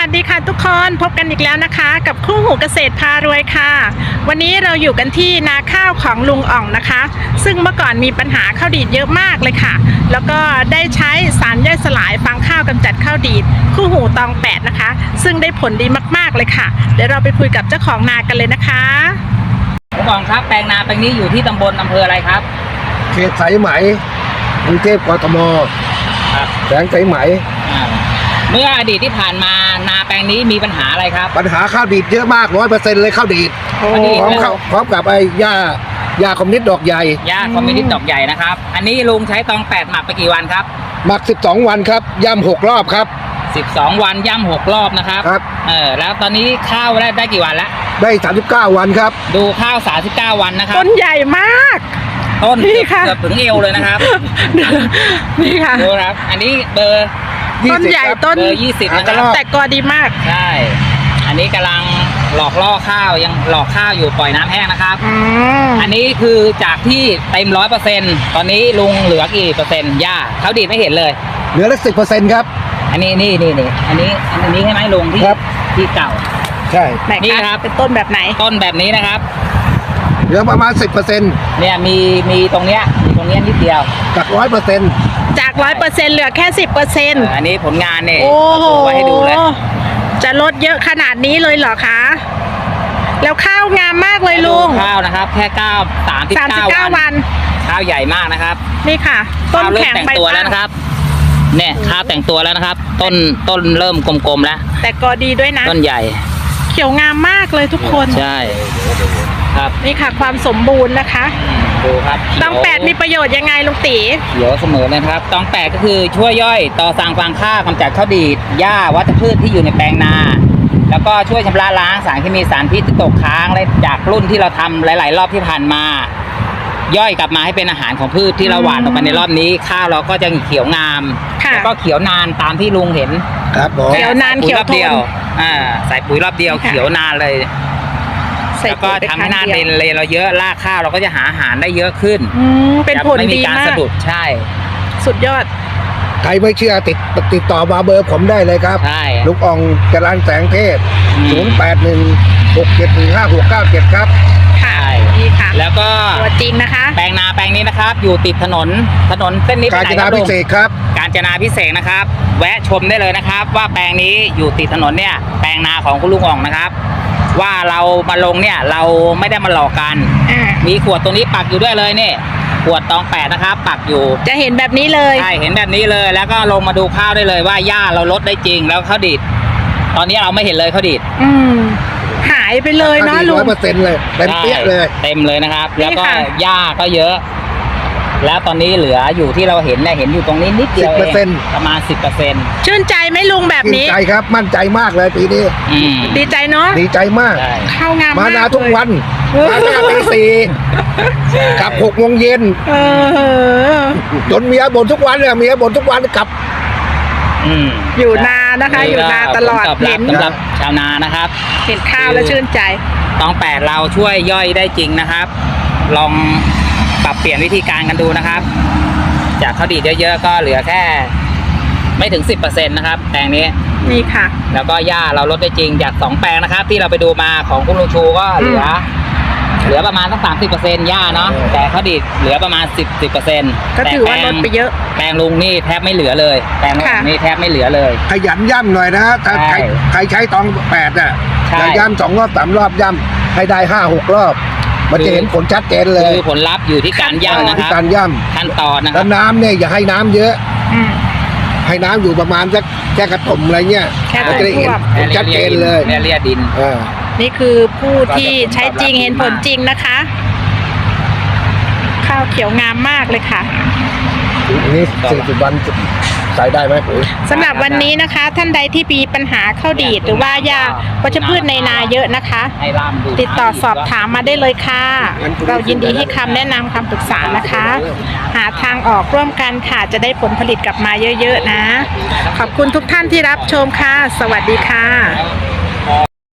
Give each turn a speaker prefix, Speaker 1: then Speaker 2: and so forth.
Speaker 1: สดีค่ะทุกคนพบกันอีกแล้วนะคะกับคู่หูเกษตรพารวยค่ะวันนี้เราอยู่กันที่นาข้าวของลุงอ่องนะคะซึ่งเมื่อก่อนมีปัญหาข้าวดีดเยอะมากเลยค่ะแล้วก็ได้ใช้สารย่อยสลายฟางข้าวกำจัดข้าวดีดคู่หูตอง8นะคะซึ่งได้ผลดีมากๆเลยค่ะเดี๋ยวเราไปคุยกับเจ้าของนากันเลยนะคะ
Speaker 2: ลุงอ่องครับแปลงนาแปลงนี้อยู่ที่ตำบลอำเภออะไรครับ
Speaker 3: เขตสายไหมกรุงเทพกทม
Speaker 2: ครับ
Speaker 3: แสงสายไหม
Speaker 2: เมื่ออดีตที่ผ่านมานาแปลงนี้มีปัญหาอะไรครับ
Speaker 3: ปัญหาข้าวดีดเยอะมาก 100% เลยข้าวดีดพร้อมกับไอ้หญ้าคอมมิวนิสต์ดอกใหญ่
Speaker 2: หญ้าคอมมิวนิสต์ดอกใหญ่นะครับอันนี้ลุงใช้ตอง8หมักไปกี่วันครับ
Speaker 3: หมัก12 วันครับย่ำ6 รอบครับ
Speaker 2: 12 วันย่ำ6 รอบนะครับ
Speaker 3: ครับ
Speaker 2: แล้วตอนนี้ข้าวได้กี่วันแล้ว
Speaker 3: ได้39 วันครับ
Speaker 2: ดูข้าว39 วันนะครับ
Speaker 1: ต้นใหญ่มาก
Speaker 2: ต้นเกือบถึงเอวเลยนะครับ
Speaker 1: นี่ค่ะ
Speaker 2: ดูครับอันนี้เบอร์
Speaker 1: ต้นใหญ่ต้น
Speaker 2: เบอร์20นะครับ
Speaker 1: แต่กอดีมาก
Speaker 2: ใช่อันนี้กำลังหลอกล่อข้าวยังหลอกข้าวอยู่ปล่อยน้ำแห้งนะครับอันนี้คือจากที่เต็ม100%ตอนนี้ลุงเหลือกี่เปอร์เซ็นต์หญ้าเขาดีดไม่เห็นเลย
Speaker 3: เหลือละ10%ครับ
Speaker 2: อันนี้นี่อันนี้ใช่ไหมลุงที่เก่า
Speaker 3: ใช่
Speaker 2: นี่ครับ
Speaker 1: เป็นต้นแบบไหน
Speaker 2: ต้นแบบนี้นะครับ
Speaker 3: เหลือประมาณ 10%
Speaker 2: เนี่ยมีตรงเนี้ยนิดเดียว
Speaker 3: จาก 100%
Speaker 1: จาก 100%เหลือแค่ 10%
Speaker 2: อันนี้ผลงานเนี่ย
Speaker 1: โอ้โห
Speaker 2: ไว้ให้ดูเลย
Speaker 1: จะลดเยอะขนาดนี้เลยเหรอคะแล้วข้าวงามมากเลยลุง
Speaker 2: ข้าวนะครับแค่39 วันข้าวใหญ่มากนะครับ
Speaker 1: นี่ค่ะต้นแข็ง
Speaker 2: ใบตัวแล้วนะครับเนี่ยข้าวแต่งตัวแล้วนะครับต้นเริ่มกลมๆแล้ว
Speaker 1: แต่ก็ดีด้วยนะ
Speaker 2: ต้นใหญ่
Speaker 1: เขียวงามมากเลยทุกคน
Speaker 2: ใช่ครับ
Speaker 1: นี่ค่ะความสมบูรณ์นะคะ
Speaker 2: ดูครับ
Speaker 1: ตอง8มีประโยชน์ยังไงลุงตี
Speaker 2: เขียวเสมอเลยครับตอง8ก็คือช่วยย่อยต่อสั่งฟางข้าวกำจัดข้าวดีดหญ้าวัชพืชที่อยู่ในแปลงนาแล้วก็ช่วยชำระล้างสารเคมีสารพิษที่ตกค้างและจากรุ่นที่เราทำหลายๆรอบที่ผ่านมาย่อยกลับมาให้เป็นอาหารของพืชที่เราหว่านออกไปในรอบนี้ข้าวเราก็จะเขียวงามแล้วก็เขียวนานตามที่ลุงเห็น
Speaker 3: ครับ
Speaker 1: เขียวนานเขียวทน
Speaker 2: ใส่ปุ๋ยรอบเดียวเขียวนานเลยแล้วก็ทำให้หน้าดินเลยเราเยอะรากข้าวเราก็จะหาอาหารได้เยอะขึ้น
Speaker 1: เป็นผลดีมาก
Speaker 2: สะดุดใช่
Speaker 1: สุดยอด
Speaker 3: ใครไม่เชื่อติดต่อมาเบอร์ผมได้เลยครับ
Speaker 2: ใช่
Speaker 3: ลูกอ่องจรัญแสงเทพ0816715697ครับ
Speaker 1: ใช่ดีค่ะ
Speaker 2: แล้วก็
Speaker 1: ตัวจริงนะคะ
Speaker 2: แปลงนาแปลงนี้นะครับอยู่ติดถนนเส้นนี้
Speaker 3: กาญจนาพิเศษครับ
Speaker 2: กาญจนาพิเศษนะครับแวะชมได้เลยนะครับว่าแปลงนี้อยู่ติดถนนเนี่ยแปลงนาของคุณลุงอ่องนะครับว่าเรามาลงเนี่ยเราไม่ได้มาหลอกกันมีขวดตรงนี้ปักอยู่ด้วยเลยเนี่ยขวดตอง8นะครับปักอยู่
Speaker 1: จะเห็นแบบนี้เลย
Speaker 2: ใช่เห็นแบบนี้เลยแล้วก็ลงมาดูข้าวได้เลยว่าหญ้าเราลดได้จริงแล้วข้าวดีดตอนนี้เราไม่เห็นเลยข้าวดีด
Speaker 1: หายไปเลยเนาะลุง
Speaker 3: 100%เลยเต็มเปี้ยเลย
Speaker 2: เต็มเลยนะครับแล้วก็หญ้าก็เยอะแล้วตอนนี้เหลืออยู่ที่เราเห็นเนี่ยเห็นอยู่ตรงนี้นิดเดียวเองประมาณ 10%
Speaker 1: ชื่นใจไหมลุงแบบนี้
Speaker 3: ชื่นใจครับมั่นใจมากเลยปีนี้
Speaker 1: ดีใจเนาะ
Speaker 3: ดีใจมาก
Speaker 1: ข้าวงาม
Speaker 3: มานาทุกวันมาหน้าตี4กลับ6 โมงเย็นจนเมียบ่นทุกวันเลยเมียบ่นทุกวันกลับ
Speaker 1: อยู่นานะคะอยู่นาตลอด
Speaker 2: เห็นสำหรับชาวนานะครับ
Speaker 1: เห็นข้าวแล้วชื่นใจ
Speaker 2: ตอง8เราช่วยย่อยได้จริงนะครับลองปรับเปลี่ยนวิธีการกันดูนะครับจากข้าวดีดเยอะๆก็เหลือแค่ไม่ถึง 10% นะครับแปลงนี้
Speaker 1: นี่ค่ะ
Speaker 2: แล้วก็หญ้าเราลดได้จริงจาก2 แปลงนะครับที่เราไปดูมาของคุณลุงชูก็เหลือประมาณสัก30%หญ้าเนาะแต่ข้าวดีดเหลือประมาณ10%
Speaker 1: ก็ถือว่าลดไปเยอะ
Speaker 2: แปลงลุงนี่แทบไม่เหลือเลยแปลงลุงนี่แทบไม่เหลือเลย
Speaker 3: ขยันย่ำหน่อยนะถ้าใครใช้ตอง8จะย่ำ2 รอบ 3 รอบย่ำให้ได้5-6 รอบมันจะเห็นผลชัดเจนเลย
Speaker 2: คือผลลัพธ์อยู่ที่การย่ำนะครับ
Speaker 3: การย่ำ
Speaker 2: ขั้นตอนนะครับ
Speaker 3: แล้วน้ำเนี่ยอย่าให้น้ำเยอะให้น้ำอยู่ประมาณสักแค่กระตุ่มอะไรเงี้ย
Speaker 1: มันจะได้เห็น
Speaker 3: ผลชัดเจนเลย
Speaker 2: เลียดิน
Speaker 1: นี่คือผู้ที่ใช้จริงเห็นผลจริงนะคะข้าวเขียวงามมากเลยค่ะ
Speaker 3: นี่40 วันใส่ได้ไหมปุ๋ย
Speaker 1: สำหรับวันนี้นะคะท่านใดที่มีปัญหาข้าวดีดหรือว่าหญ้าวัชพืชในนาเยอะนะคะติดต่อสอบถามมาได้เลยค่ะเรายินดีให้คำแนะนำคำปรึกษานะคะหาทางออกร่วมกันค่ะจะได้ผลผลิตกลับมาเยอะๆนะขอบคุณทุกท่านที่รับชมค่ะสวัสดีค่ะ